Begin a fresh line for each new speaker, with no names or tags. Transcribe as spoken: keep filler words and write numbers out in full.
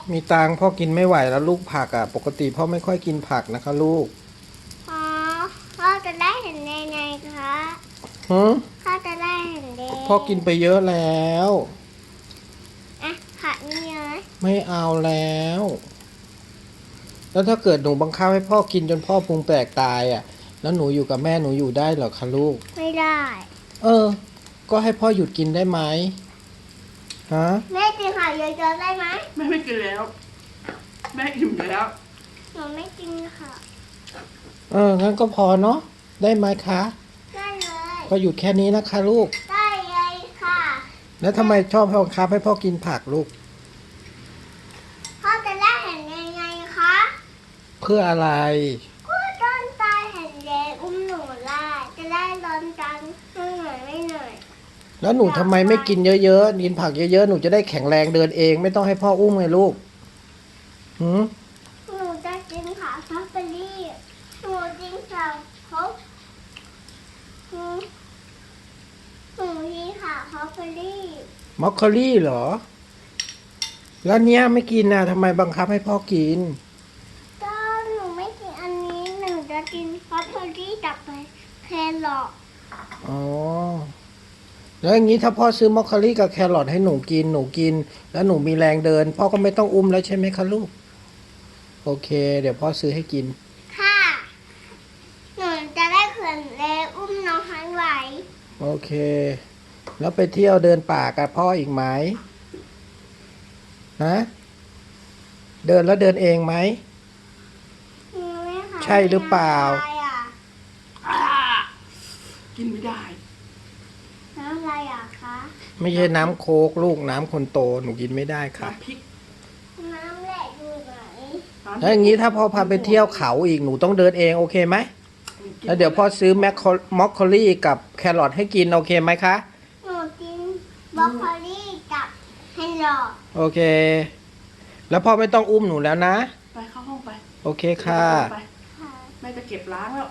มีตังค์พ่อกินไม่ไหวแล้วลูกผักอ่ะ ปกติพ่อไม่ค่อยกินผักนะคะลูก
อ๋อพ่อจะได้เห็นในไงคะ
ฮะ
พ่อจะได้เห็นเด็
พ่อกินไปเยอะแล้ว
อ่ะผักนี่เลย
ไม่เอาแล้ว แล้วถ้าเกิดหนูบังคับให้พ่อกินจนพ่อพุงแตกตายอ่ะ แล้วหนูอยู่กับแม่หนูอยู่ได้เหรอคะลูก
ไม่ได้
เออ ก็ให้พ่อหยุดกินได้ไหมฮะ
แม่กินผักเยอะๆได้ไหม
แม่ไม่กินแล้ว แม่อิ่มแล้ว
หนูไม่กินค่ะ
เออ งั้นก็พอเนาะ ได้ไหมคะ
ได้เลย
ก็หยุดแค่นี้นะคะลูก
ได้เลยค่ะ
แล้วทำไมชอบบังคับให้พ่อกินผักลูก
พ่อจะได้เห็นในไงคะ
เพื่ออะไร
ก็ต้นตายเห็นเด็กอุ้มหนูได้จะได้ร้อนจังไม่เหนื่อยไม่เหนื่อย
แล้วหนูทำไมไม่กินเยอะๆ กินผักเยอะๆ หนูจะได้แข็งแรงเดินเอง ไม่ต้องให้พ่ออุ้มไงลูกหืม
หนูจะกินผักซัฟเฟอรี่หนูกินผักครบหนูหนูกินผักซัฟเฟอรี่
มอคคอรี่เหรอ แล้วเนี้ยไม่กินนะทำไมบังคับให้พ่อกิน
ก็หนูไม่กินอันนี้หนูจะกินซัฟเฟอรี่กับแครอท
อ๋อ แล้วอย่างนี้ถ้าพ่อซื้อมอคคอรี่กับแครอทให้หนูกิน หนูกิน แล้วหนูมีแรงเดิน พ่อก็ไม่ต้องอุ้มแล้วใช่ไหมคะลูก โอเค เดี๋ยวพ่อซื้อให้กิน
ค่ะ หนูจะได้เขื่อนแลอุ้มน้องฮันไหว
โอเค แล้วไปเที่ยวเดินป่ากับพ่ออีกไหมฮะเดินแล้วเดินเองไหม
หนูไม่ค่ะ
ใช่หรือเปล่า
น้ำอะไรอ่ะ
อ่า กินไม่ได้
น้ำอะไรอ่ะคะ
ไม่ใช่น้ำโค้กลูกน้ำคนโตหนูกินไม่ได้ค่ะ
น้ำพริก
น้ำแหลกอยู่ไหน
น้ำพริก
แล้วอย่างนี้ถ้าพ่อพาไปเที่ยวเขาอีกหนูต้องเดินเองโอเคไหมแล้วเดี๋ยวพ่อซื้อแมคโคมอคโคลี่กับแครอทให้กินโอเคไหมคะ
หนูกินบรอกโคลีกับแครอท
โอเค แล้วพ่อไม่ต้องอุ้มหนูแล้วนะ
ไปเข้าห้องไป
โอเคค่ะ
ไป
ค่ะ
แม่จะเก็บล้างแล้ว